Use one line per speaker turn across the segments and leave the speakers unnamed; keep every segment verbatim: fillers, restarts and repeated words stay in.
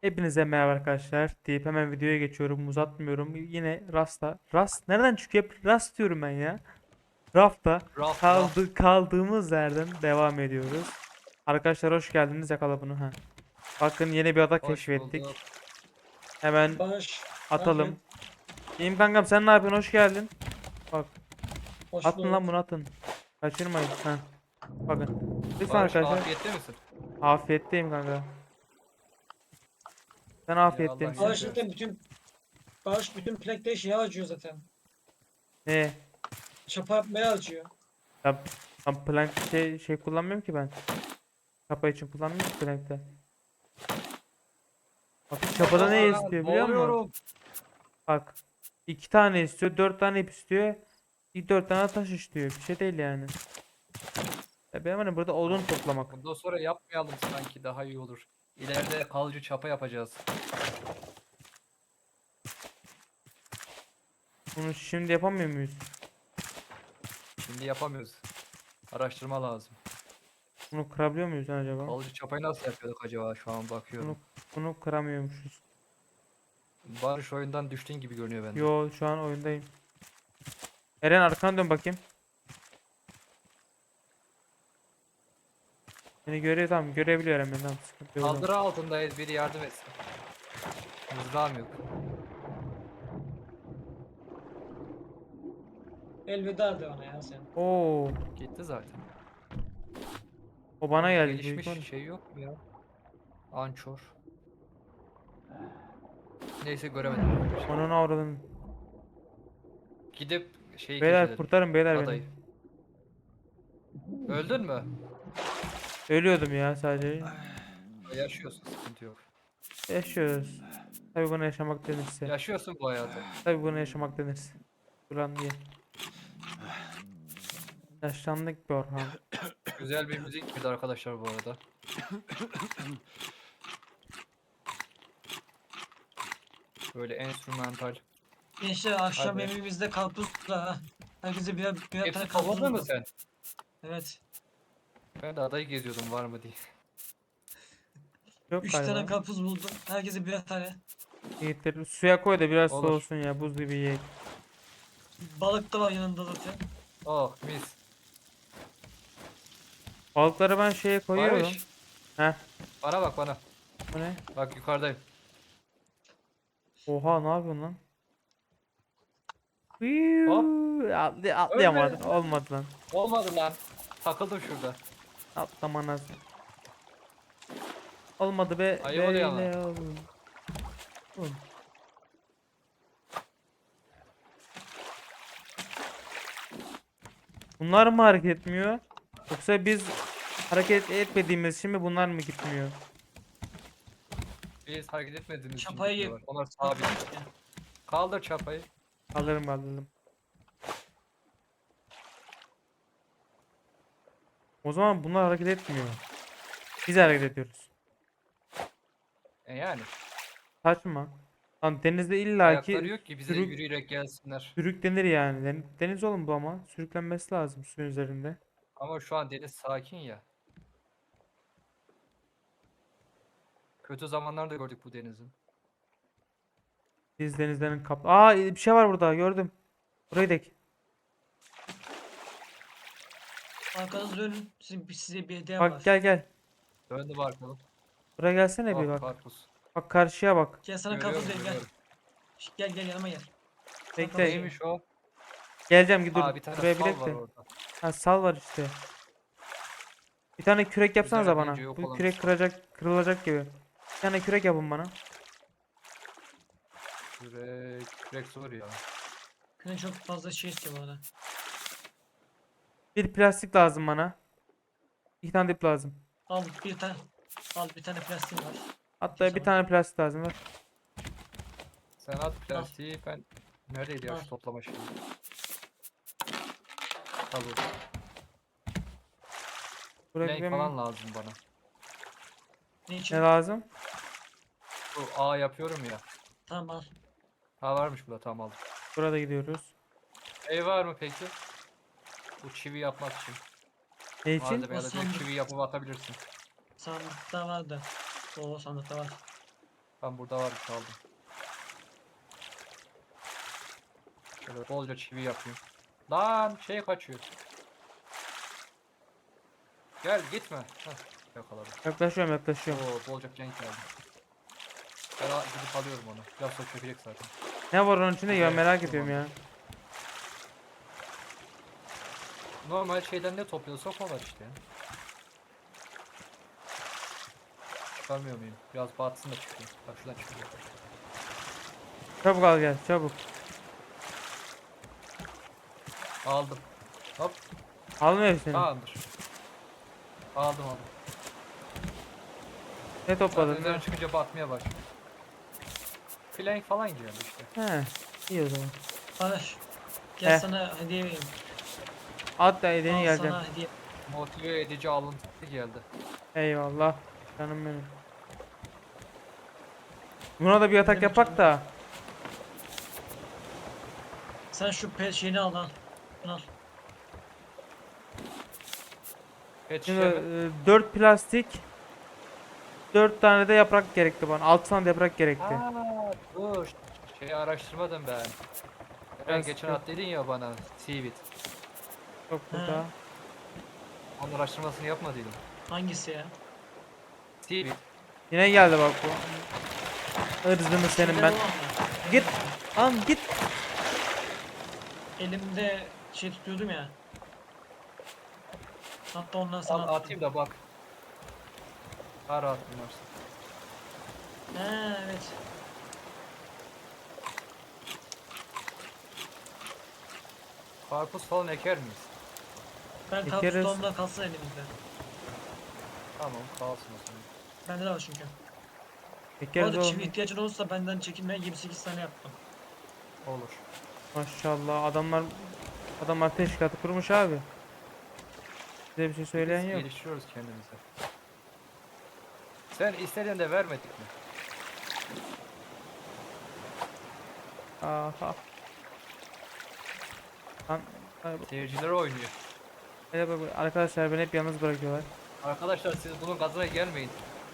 Hepinize merhaba arkadaşlar deyip hemen videoya geçiyorum, uzatmıyorum. Yine Rast'ta. Rast nereden çıkıyor? Hep Rast diyorum ben ya. Rafta
Raft raft.
kaldı, kaldığımız yerden devam ediyoruz. Arkadaşlar hoş geldiniz, yakala bunu ha. Bakın yeni bir ada
Hoş bulduk.
keşfettik. Hemen
Barış, ne
atalım.
yapıyorsun?
İyiyim kankam, sen ne yapıyorsun? Hoş geldin. Bak,
Hoş
atın lan
bulduk.
bunu, atın. Kaçırmayın. Ha. Bakın. Lütfen
Barış
arkadaşlar.
afiyette misin?
Afiyetteyim kanka. Sen
Ya
afiyette
Allah
misin?
Barış
şükür.
zaten bütün Barış bütün PlayStation yağ acıyor zaten.
Ne?
Çapa yapmaya acıyor.
Ya, ben plank şey, şey kullanmıyorum ki ben. Çapa için kullanmıyorum ki plankte. Bak çapada ne
Aa,
istiyor biliyor musun?
boğuluyorum.
Bak. iki tane istiyor, dört tane ip istiyor. Bir dört tane taş istiyor. Bir şey değil yani. Ya benim hani burada odun toplamak.
Bundan sonra yapmayalım, sanki daha iyi olur. İleride kalıcı çapa yapacağız.
Bunu şimdi yapamıyor muyuz?
Şimdi yapamıyoruz. Araştırma lazım.
Bunu kırabiliyor muyuz lan acaba?
Kalıcı çapayı nasıl yapıyorduk acaba, şu an
Bunu
bakıyorum.
bunu kıramıyormuşuz.
Barış oyundan düştüğün gibi görünüyor bende.
Yo, şu an oyundayım. Eren arkana dön bakayım. Beni görüyor, tamam, görebiliyor Eren beni, tamam, sıkıntı yok.
Kaldırı altındayız, biri yardım etsin. Mızrağım yok.
Elveda de ona ya sen.
Oo,
Gitti zaten.
o bana geldi büyük
Gelişmiş
ihtimalle.
şey yok mu ya? Ançor. Neyse, göremedim.
Onun avradını.
Gidip şeyi
Beyler
keşfedelim.
kurtarın beyler beni.
Adayı. Öldün mü?
Ölüyordum ya sadece.
Yaşıyorsun, sıkıntı yok.
Yaşıyoruz. Tabii buna yaşamak denirse.
Yaşıyorsun bu hayatı.
Tabii buna yaşamak denirse. Ulan diye. Yaşlandık be Orhan.
Güzel bir müzik girdi arkadaşlar bu arada. Böyle enstrümantal.
Gençler akşam
Hadi.
yemeğimizde karpuz da ha. Herkese birer, birer tane
Hepsi
karpuz
topladın mı
buldum.
sen?
Evet.
Ben de adayı geziyordum, var mı diye.
Yok
Üç tane
galiba.
karpuz buldum. Herkese birer tane.
Yiğitleri suya koy da biraz
Olur.
soğusun ya. Buz gibi yiyek.
Balık da var yanında zaten.
Oh mis.
Balıkları ben şeye koyuyorum.
Barış.
Heh.
Bana bak bana.
Bu ne?
Bak yukarıdayım.
Oha, ne yapıyorsun lan?
Hop.
Hıyuu, Atlı,
Ölme.
atlayamadım. Olmadı lan.
Olmadı lan. Takıldım şurada.
Atlaman lazım. Olmadı be.
Ayıp oluyor ama.
Böyle oldu. Oğlum, bunlar mı hareket etmiyor? Yoksa biz hareket etmediğimiz için mi bunlar mı gitmiyor?
Biz hareket etmediğimiz için
Çapayı
gitmiyorlar. Onlar
Çapayı
sabit.
işte.
Kaldır çapayı.
Kaldırırım kaldırırım. O zaman bunlar hareket etmiyor. Biz hareket ediyoruz.
E yani.
Saçma. Lan denizde illaki
Ayakları yok ki bize
sürük,
yürüyerek gelsinler.
sürüklenir yani. Den- Deniz oğlum bu ama. Sürüklenmesi lazım suyun üzerinde.
Ama şu an deniz sakin ya. Kötü zamanlarda gördük bu denizin.
Biz denizlerin kap... Aa, bir şey var burada, gördüm. Burayı dek.
Arkanızı dönün. Sizin, size bir hediyem
Bak
var.
gel gel.
Döndü bakalım.
Buraya gelsene bir
Oh
bak.
karpuz.
Bak karşıya bak.
Gel sana
Görüyorum,
karpuz vereyim gel.
görüyorum.
Şş, Gel gel yanıma gel.
Bekle.
Neymiş
Neymiş o?
Geleceğim, git dur.
Aa, bir tane
Buraya bir
sal
dek
var
de.
orada.
Ha, sal var işte. Bir tane kürek yapsanıza
Üzerine
bana.
deyince yok
Bu
olan
kürek
bir-
kıracak, kırılacak gibi. Bir tane kürek yapın bana.
Kürek, kürek zor ya.
Yine çok fazla şey istiyor bu arada.
Bir plastik lazım bana. İki tane dip lazım.
Al bir tane. Al bir tane plastiğim var.
Hatta bir
Tamam.
tane plastik lazım, ver.
Sen at plastiği, ben... Neredeydi ya
Al.
şu toplama şeyi? Tabii.
Buraya
Plank
benim-
falan lazım bana.
Ne için?
Ne lazım?
Bu A yapıyorum ya.
Tamam al.
Ha, varmış burada, tamam aldım.
Burada gidiyoruz.
Ev var mı peki? Bu çivi yapmak için.
Ne için?
Malzeme ya da
Nasıl
direkt
olur?
çivi yapıp atabilirsin.
Sandıkta vardı. O sandıkta var.
Ben burada var bir şey aldım. Şöyle bolca çivi yapayım. Lan şey kaçıyor. Gel gitme. Heh, yakaladım.
Yaklaşıyorum yaklaşıyorum.
Oo bolca cenk geldi. Ben al- gidip alıyorum onu. Biraz sonra çökecek zaten.
Ne var onun içinde ya,
Evet,
merak
tamam.
ediyorum ya.
Normal şeyden ne topluyorsak o var işte. Çıkarmıyor muyum? Biraz batsın da çıkıyor. Bak şuradan çıkıyor.
Çabuk al gel çabuk.
Aldım. Hop.
Almıyor hepsini.
Tamamdır. Aldım aldım.
Ne
Zaten
topladın
üzerine
lan?
çıkınca batmaya başlıyor. Flank falan giyiyor işte.
He. İyi o zaman.
Barış. Gel
Heh.
sana hediye vereyim.
At da edeni
Al
geleceğim.
sana hediye.
Motive edici alıntı geldi.
Eyvallah. Canım benim. Buna da bir yatak
demek
yapak
canım?
da.
Sen şu pe şeyini al lan. Bunu al.
Pet
Şimdi
şişe mi?
dört plastik. dört tane de yaprak gerekti bana. altı tane de yaprak gerekti.
Aa, dur. Şeyi araştırmadım ben. Ben
Biraz
geçen
yok.
at dedin ya bana Seaweed.
Yok burada.
Onun araştırmasını yapmadıydım.
Hangisi ya?
Seaweed.
Yine geldi bak bu. Irzını senin
Şeyden
ben.
olan mı?
Git. Lan git.
Elimde şey tutuyordum ya. Hatta ondan sana
Al
attım.
atayım da bak. Daha rahat binarsın.
He evet.
Karpuz falan eker miyiz?
Ben
Ekeriz.
karpuz tohumdan kalsın elimizde.
Tamam kalsın o zaman.
Bende de var çünkü. Bu
Ekeriz
arada çivi
oğlum.
ihtiyacın olursa benden çekinme, yirmi sekiz tane yaptım.
Olur.
Maşallah adamlar adamlar teşkilatı kurmuş abi. Size bir şey söyleyen
Biz
yok.
geliştiriyoruz kendimizi. Sen istediğin de vermedik mi?
Aha. Lan, ay,
Seyirciler oynuyor.
hele bak- bak, arkadaşlar beni hep yalnız bırakıyorlar.
Arkadaşlar siz bunun gazına gelmeyin.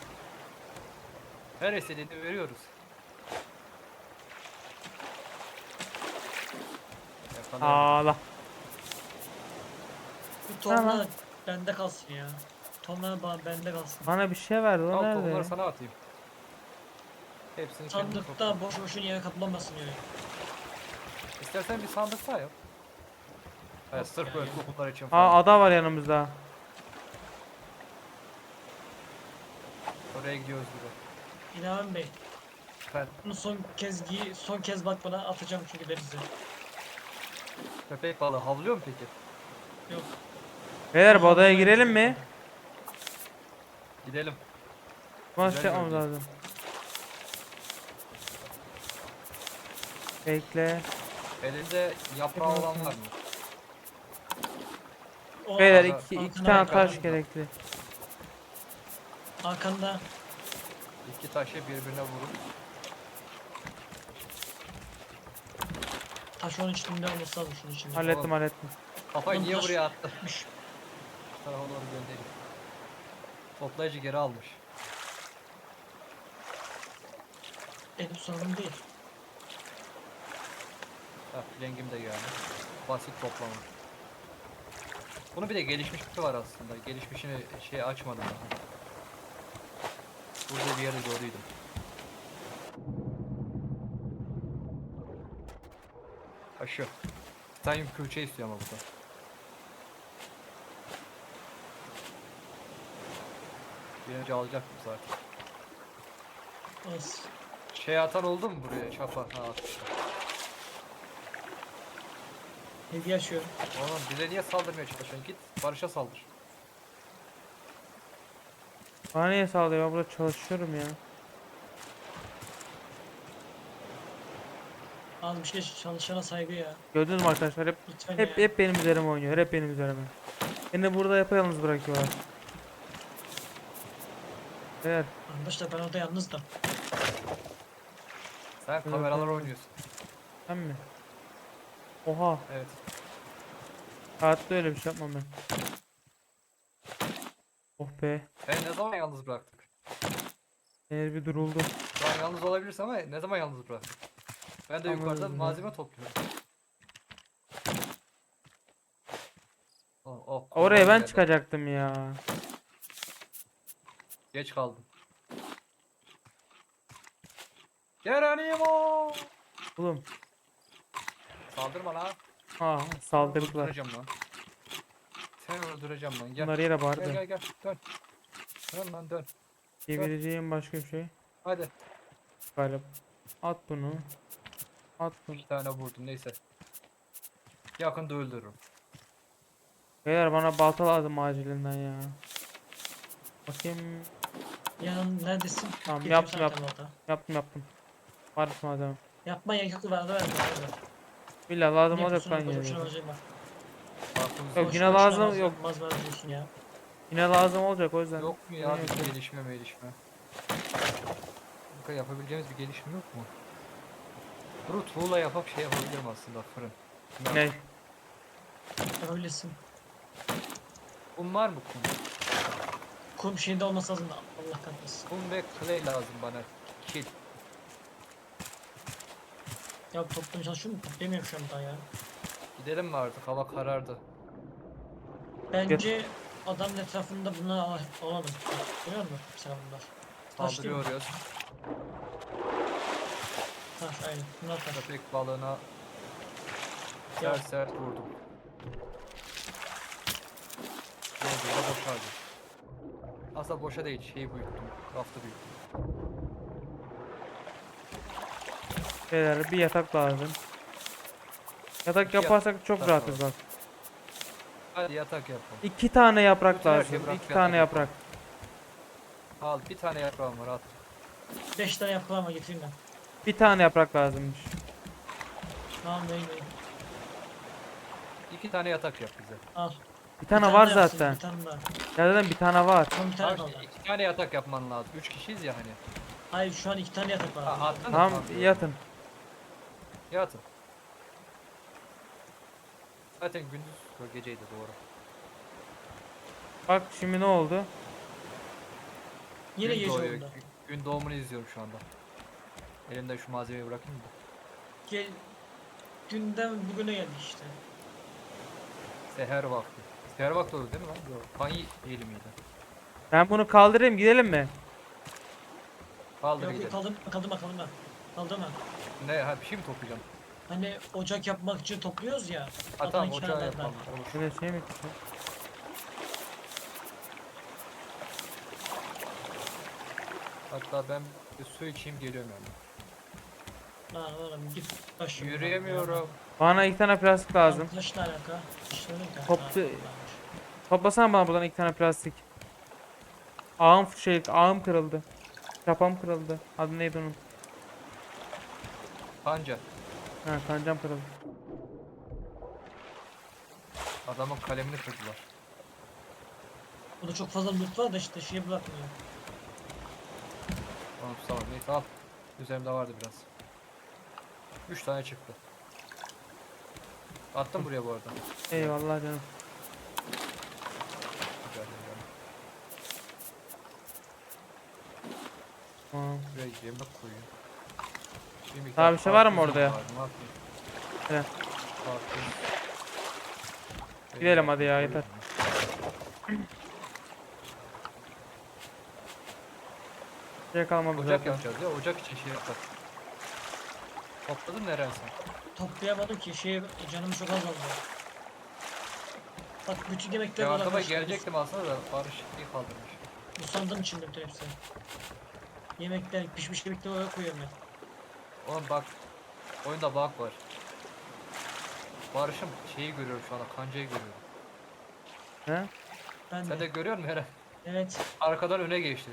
Her istediğini veriyoruz. Yakalayamadım.
Ağla.
Bu
Tamam.
tohumlar bende kalsın ya. Tohumlar bana bende kalsın.
Bana bir şey verdi o
Al
nerede?
tohumları sana atayım. Hepsini kendin topla.
Sandıkta boş boşun yere kaplamasın öyle.
İstersen bir sandık daha yap. Evet,
Yok
sırf
ya,
böyle
yok.
tohumlar için
Aa
falan.
ada var yanımızda.
Oraya gidiyoruz gibi.
İlhan Bey,
Ben
bunu son kez giy, son kez bak bana atacağım çünkü denize.
köpek balığı havlıyor mu peki?
Yok.
Beyler bu
Aha,
adaya
buraya
girelim
gidiyor.
mi?
Gidelim.
Maç
Güzel
yapmamız
bölge.
lazım. Bekle.
Elinde yaprağı
Yapalım.
olan var mı?
O
Beyler
Aha,
iki, iki
arkana
tane
bak,
taş
arkana.
gerekli.
Arkanda
İki taşı birbirine vurup
taş onun içinde olması lazım şunun içinde.
Hallettim
Oğlum.
hallettim.
kafayı
Oğlum
niye
taş-
buraya attı?
Üş.
Şu tarafa doğru göndereyim. Toplayıcı geri almış.
Benim sorunum değil.
Ha, rengim de geldi. Basit toplama. Bunun bir de gelişmişi var aslında. Gelişmişini şey açmadım daha. Burada bir yerde gördüydüm. Ha şu. Titanium külçe istiyor ama burada. Bir önce alacaktım zaten.
Az.
Şey atan oldu mu buraya? Çapa. Ha atmışlar.
Hediye açıyorum.
Oğlum bize niye saldırmaya çalışıyorsun? Git Barış'a saldır.
Bana niye sağlıyor? Ben burada çalışıyorum ya.
Az bir şey çalışana saygı ya.
Gördünüz mü arkadaşlar? Hep
Lütfen
hep
ya.
hep benim üzerime oynuyor. Hep benim üzerime. Beni burada yapayalnız bırakıyorlar. Beyler
Arkadaşlar ben orada yalnızdım.
Sen kameralar oynuyorsun.
sen mi? Oha.
Evet.
Hayatta öyle bir şey yapmam ben. Oh be.
Ben ne zaman yalnız bıraktık?
Eğer bir duruldu.
Şu an yalnız olabilirsin ama ne zaman yalnız bırak? Ben de
Anladım
yukarıdan
ya.
malzeme topluyorum. Oh, oh,
Oraya
kurban
ben
geldi.
çıkacaktım ya.
Geç kaldım. Geronimo!
Oğlum.
Saldırma lan.
Aa
Seni
saldırdılar.
öldüreceğim lan. Seni öldüreceğim lan. Gel.
Bunlar yere
Gel
vardı.
gel gel. Dön. Dön lan dön.
Diyebileceğim başka bir şey
Hadi.
galiba. At bunu. At bunu.
İki tane vurdum neyse. Yakında öldürürüm.
Beyler bana balta lazım acilinden ya. Bakayım.
Yanın neredesin?
Tamam,
Getireyim
yaptım,
sana
yaptım.
temel ota.
Yaptım yaptım. Var malzeme.
Yapma ya yok vardı verdim vardı.
Billa lazım
Ne
olacak
yapıyorsun
lan
orada boşuna
yine.
harcayma.
Aklımız
Yok,
boş.
yine
Boşuna boşuna
lazım,
malzeme-
yok.
Malzeme harcıyorsun ya.
Yine lazım olacak o yüzden.
Yok mu ya
Yine
bir
yapıyorum.
gelişme gelişme? Kanka yapabileceğimiz bir gelişme yok mu? Bunu tuğla yapıp şey yapabilirim aslında fırın.
Ne?
Öylesin.
Kum var mı kum?
Kum şeyinde olması lazım da Allah kahretsin.
Kum ve clay lazım bana. Kil.
Ya toplamaya çalışıyorum da toplayamıyorum şu an daha ya.
Gidelim mi artık? Hava karardı.
Bence adamın etrafında bunu al- alalım. Görüyor musun? Mesela bunlar. Taş değil mi?
Saldırıyoruz.
Taş aynen. Bunlar taş.
Köpek balığına
Ya.
sert sert vurdum. Ne oldu ya boşaldı. Aslında boşa değil şeyi büyüttüm. Raftı büyüttüm.
Beyler bir yatak lazım. Yatak
İki
yaparsak çok
yatak
rahatız
lazım.
bak.
Hadi yatak yapalım.
İki tane yaprak
Bütün her
lazım.
şeyi bırak,
İki
yatak
tane
yapalım.
yaprak.
Al bir tane yaprağım var at.
Beş tane yapılan var getireyim ben.
Bir tane yaprak lazımmış.
Tamam neyim neyim.
İki tane yatak yap bize.
Al.
Bir
Bir
tane
tane
var
daha yapsın,
zaten.
Bir tane daha.
Ya zaten bir tane var.
Son bir tane
Tamam
kaldı.
işte iki tane yatak yapman lazım. Üç kişiyiz ya hani.
Hayır şu an iki tane yatak var.
Ha, attın mı?
Tamam
Tamam,
yatın.
Yatın. Zaten gündüz o geceydi doğru.
Bak şimdi ne oldu?
Yine
Gün
gece
doğuyor.
oldu.
Gün- Gün doğumunu izliyorum şu anda. Elimde şu malzemeyi bırakayım da.
Gel. Dünden bugüne geldik işte.
Seher vakti. Seher vakti oldu değil mi lan? Yok. Fanyi değil miydi?
Ben bunu kaldırayım gidelim mi?
Kaldır
Yok
gidelim.
yok kaldırma kaldırma kaldırma. Kaldırma.
Ne? Ha bir şey mi toplayacağım?
Hani ocak yapmak için topluyoruz ya.
Ha
Adam
tamam
iki
ocağı
tane
yapalım.
daha.
Olur.
Böyle şey mi çıktı?
Hatta ben bir su içeyim geliyorum yani.
Lan oğlum git taş. yoluna.
Yürüyemiyorum.
Bana iki tane plastik lazım.
Lan taşla alaka. İşte öyle bir tane
Toplu-
daha varmış.
Toplasana bana buradan iki tane plastik. Ağım şey ağım kırıldı. Çapam kırıldı. Adı neydi onun?
Panca.
Ha kancam kırıldı.
Adamın kalemini kırdılar.
Burada çok fazla loot var da işte şey bırakmıyor.
Tamam tamam neyse al. Üzerimde vardı biraz. Üç tane çıktı. Attım buraya bu arada.
Eyvallah canım.
Güzel, güzel.
Tamam.
Buraya yemek koyuyor. Bir miktar
Daha bir şey var mı
karpuzum
orada ya?
vardı, ne yapayım?
Evet.
Karpuz.
Gidelim hadi ya,
Koyuyorum.
yeter. Şey kalmadı
Ocak
zaten.
yapacağız ya. Ocak için şey yapacağız. Topladın Eren sen?
Toplayamadım ki şey canım çok az oldu. Bak bütün yemekler
Ya aklıma
bırakmış.
gelecektim aslında da Barış iyi kaldırmış.
Bu sandığın içinde bütün hepsi. Yemekler pişmiş yemekler oraya koyuyorum ben.
Oğlum bak. Oyunda bug var. Barış'ım şeyi görüyorum şu anda. Kancayı görüyorum.
He?
Ben
Sen
de.
de görüyor musun Eren?
Evet.
Arkadan öne geçti.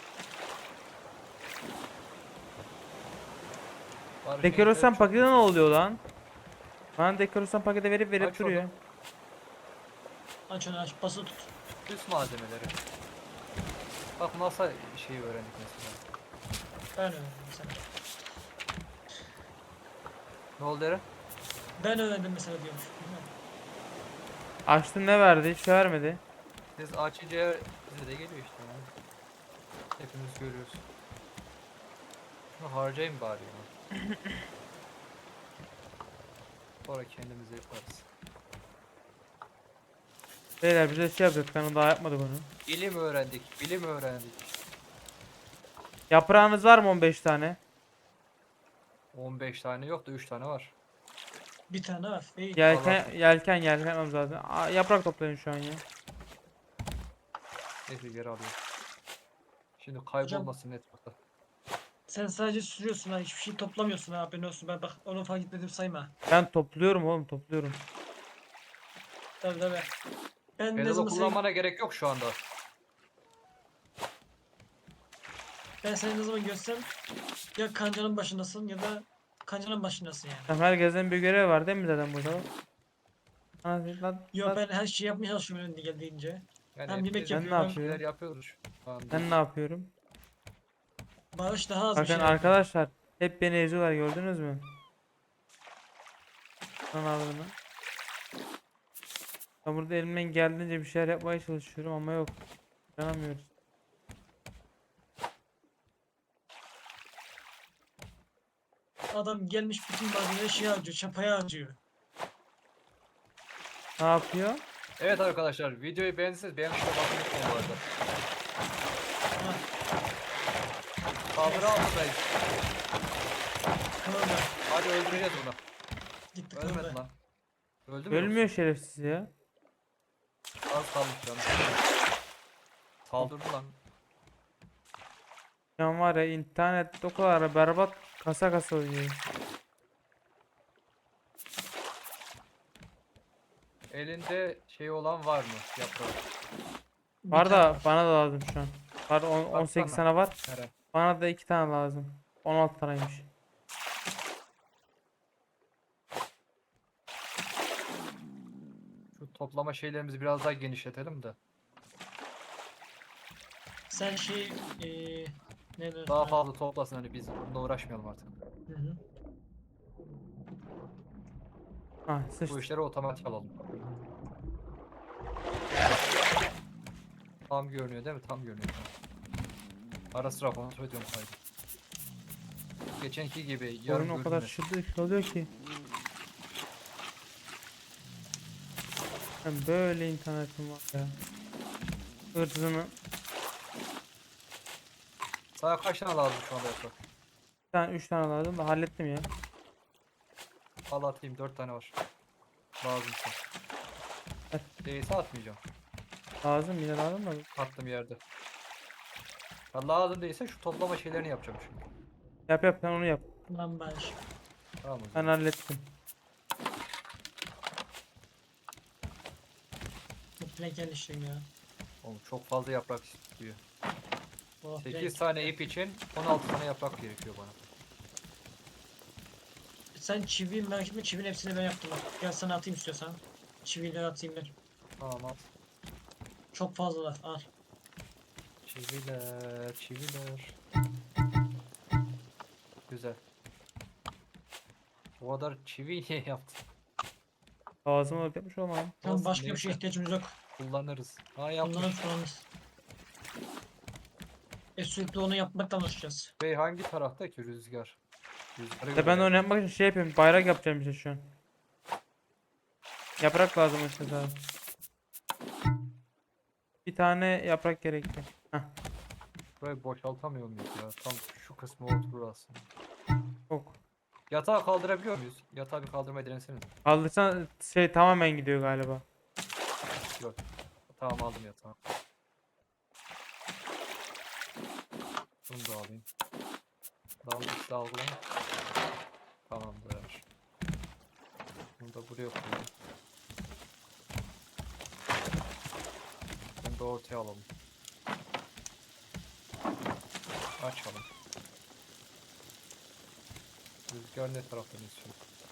Barış
Dekorasyon
internet çok
paketi ne oluyor lan? Bana dekorasyon paketi verip verip
Aç
duruyor.
onu.
Aç onu aç basılı tut.
Üst malzemeleri. Bak masa şeyi öğrendik mesela.
Ben öğrendim mesela.
Ne oldu Eren?
Ben öğrendim mesela diyormuş. Bilmiyorum.
Açtın ne verdi? Hiç vermedi.
Biz açınca bize de geliyor işte. Yani. Hepimiz görüyoruz. Bunu harcayayım bari ya. Sonra kendimize yaparız.
Beyler bize şey yapacak. Ben daha yapmadık onu.
Bilim öğrendik, bilim öğrendik.
Yaprağınız var mı on beş tane?
on beş tane yok da üç tane var.
Bir tane var. İyi.
Yelken yelken yelken zaten. Aa, yaprak toplayın şu an ya.
Neyse geri alıyorum. Şimdi kaybolmasın etrafta.
Sen sadece sürüyorsun ha. Hiçbir şey toplamıyorsun ha. Haberin olsun. Ben bak onu fark etmedim sayma.
Ben topluyorum oğlum topluyorum.
Tabii tabii. Ben ne
Pedalı
zaman seni,
kullanmana gerek yok şu anda.
ben seni ne zaman görsem ya kancanın başındasın ya da kancanın başındasın yani.
Tamam, herkesin bir görevi var değil mi zaten burada? Ana, lan,
Yo
lan.
ben her şeyi yapmaya çalışıyorum önünde geldiğince.
Yani
Hem yemek
hepimiz
Ben ne
yapıyorum.
bir
yapıyorum?
şeyler yapıyoruz şu anda.
Ben ne yapıyorum?
Bağış daha az bir
Bakın
şey yapıyor.
arkadaşlar hep beni eziyorlar gördünüz mü? Lan ağzını. Ben burada elimden geldiğince bir şeyler yapmaya çalışıyorum ama yok. Yanamıyoruz.
Adam gelmiş bütün malzemeleri şey harcıyor. Çapaya harcıyor.
Ne yapıyor?
Evet arkadaşlar videoyu beğendiyseniz beğen tuşuna basmayı unutmayın bu arada.
Ha,
Saldırı altındayız.
kırıldı.
Hadi öldüreceğiz bunu.
Gitti
Ölmedi
kırıldı.
lan. Öldü mü?
Ölmüyor şerefsiz ya.
yoksa? Az kalmış canım. Saldırdı lan.
Şu an var ya internet o kadar berbat kasa kasa oynuyor.
Elinde şey olan var mı? Yaprağı.
Bir
Var
tane
da bana da lazım şu an. Var on- on sekiz
Baksana.
tane var.
Nere?
Bana da iki tane lazım. on altı taneymiş.
Şu toplama şeylerimizi biraz daha genişletelim de.
Sen şey eee ne diyorsun?
Daha
ha?
fazla toplasın hani biz bununla uğraşmayalım artık.
Hı hı.
Ha
Bu
sıçtı.
işleri otomatik alalım. Tam görünüyor değil mi? Tam görünüyor. Ara sıra kontrol ediyorum kaydı. Geçenki gibi yarım
Oyun o kadar
görünmesin.
şırdık oluyor ki. Ben böyle internetim var ya. Hırzını.
Sana kaç tane lazım şu anda yaprak?
Bir tane üç tane lazım da hallettim ya.
Al atayım dört tane var. Lazımsa.
Ver.
Değilse atmayacağım.
Lazım yine lazım da.
Attım yerde. Ya lazım değilse şu toplama şeylerini yapacağım şimdi.
Yap yap sen onu yap.
Lan ben.
Tamam o
Ben
zaman.
hallettim.
Bu plank yerleştireyim ya.
Oğlum çok fazla yaprak istiyor.
Oh,
sekiz
plank.
tane ip için on altı tane yaprak gerekiyor bana.
Sen çivi merak etme, çivinin hepsini ben yaptım bak. Gel sana atayım istiyorsan. Çivileri atayım ben.
Tamam at.
Çok fazlalar al.
Çiviler, çiviler. Güzel. O kadar çivi niye yaptın?
Lazım olup yapmış olmam.
Tamam
Olsun,
başka bir şeye
neyse.
ihtiyacımız yok.
Kullanırız. Ha yapmış.
Kullanırız kullanırız. E sürekli onu yapmaktan alışacağız.
Bey hangi tarafta ki rüzgar? Rüzgarı
Ya ben de
göre
onu yapmak için şey yapıyorum. Bayrak yapacağım işte şu an. Yaprak lazım işte daha. Bir tane yaprak gerekli. Heh,
burayı boşaltamıyor muyuz ya? Tam şu kısmı oturur aslında.
çok.
Yatağı kaldırabiliyor muyuz? Yatağı bir kaldırmayı deneseniz.
Kaldırsan şey tamamen gidiyor galiba.
Yok. Tamam aldım yatağı. Bunu da alayım. Dalgıç dalgılayın. Tamamdır. Bunu da buraya koyayım. Bunu da ortaya alalım. Açalım. Rüzgar ne taraftan esiyor?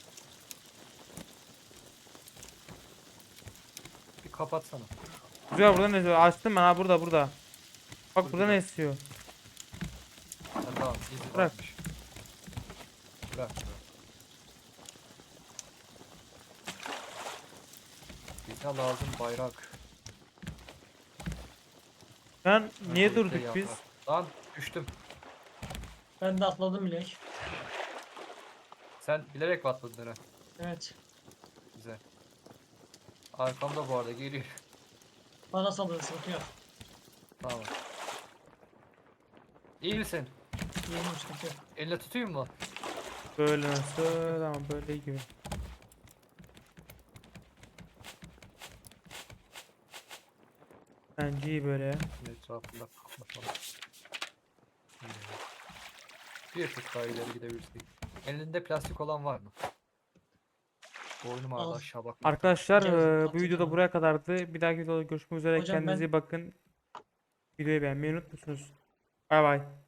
Bir kapatsana.
Güzel burada ne esiyor? Açtım ben ha burada burada. Bak
Dur,
burada
bir
ne
dakika.
esiyor?
Ha, tamam izi
Bırak.
varmış. Bırak bırak. Bize lazım bayrak.
Ben niye
Öncelikle
durduk biz?
yaprak. Lan düştüm.
Ben de atladım bile.
Sen bilerek mi atladın Eren?
Evet.
Güzel. Arkamda bu arada geliyor.
Bana saldırı sıkıntı yok.
Tamam. İyi misin?
Yeğenim sıkıntı yok.
Elle tutayım mı?
Böyle nasıl? Tamam böyle iyi gibi. Bence iyi böyle ya.
Etrafında kapatalım. Hmm. Bir tık daha ileri gidebilirsek. Elinde plastik olan var mı? Boynum ağrıdı
Al.
aşağı bak.
Arkadaşlar
Gel,
eee, bu
atayım
videoda
sana.
buraya kadardı. Bir dahaki videoda görüşmek üzere.
Hocam ben-
Kendinize iyi bakın. Videoyu beğenmeyi unutmuyorsunuz. Bay bay.